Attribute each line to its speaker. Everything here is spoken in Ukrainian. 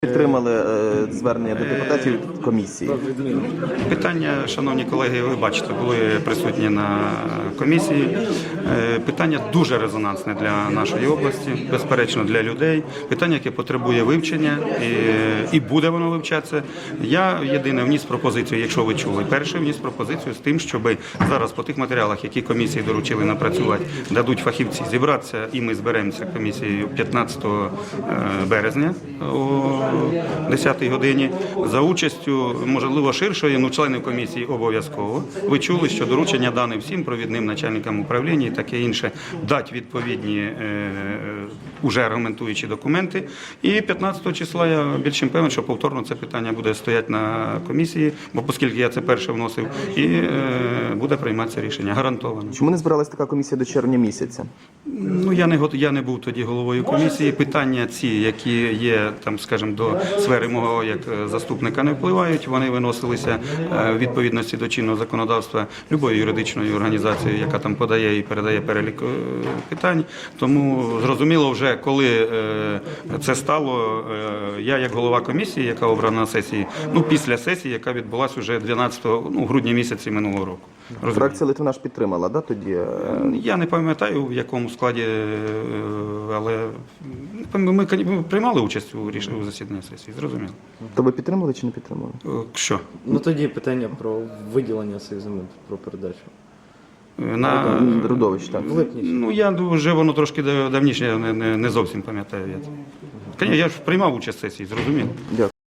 Speaker 1: Підтримали звернення до депутатів комісії.
Speaker 2: Питання, шановні колеги, ви бачите, були присутні на комісії. Питання дуже резонансне для нашої області, безперечно для людей. Питання, яке потребує вивчення і буде воно вивчатися. Я єдине вніс пропозицію, якщо ви чули, перший вніс пропозицію з тим, щоб зараз по тих матеріалах, які комісії доручили напрацювати, дадуть фахівці зібратися, і ми зберемося комісією 15 березня о 10-й годині за участю, можливо, ширшої, членів комісії обов'язково. Ви чули, що доручення дане всім провідним начальникам управління і таке інше, дати відповідні уже аргументуючі документи. І 15 числа я більш чим певен, що повторно це питання буде стояти на комісії, бо оскільки я це перше вносив, і буде прийматися рішення, гарантовано.
Speaker 1: Чому не збиралась така комісія до червня місяця?
Speaker 2: Ну, я не був тоді головою комісії. Питання ці, які є, там, скажімо, до сфери мого як заступника не впливають, вони виносилися в відповідності до чинного законодавства любої юридичної організації, яка там подає і передає перелік питань. Тому зрозуміло вже, коли це стало, я як голова комісії, яка обрана на сесії, після сесії, яка відбулася вже 12 грудня місяці минулого року.
Speaker 1: Фракція Литвина ж підтримала, да, тоді?
Speaker 2: Я не пам'ятаю, в якому складі, але ми приймали участь у засіданні сесії, зрозуміло.
Speaker 1: То ви підтримали чи не підтримали?
Speaker 2: Що?
Speaker 3: Тоді питання про виділення цих земель, про передачу.
Speaker 2: На
Speaker 1: Родовищ, так.
Speaker 2: Я вже воно трошки давніше, я не зовсім пам'ятаю. Я ж приймав участь в сесії, зрозуміло.
Speaker 1: Дякую.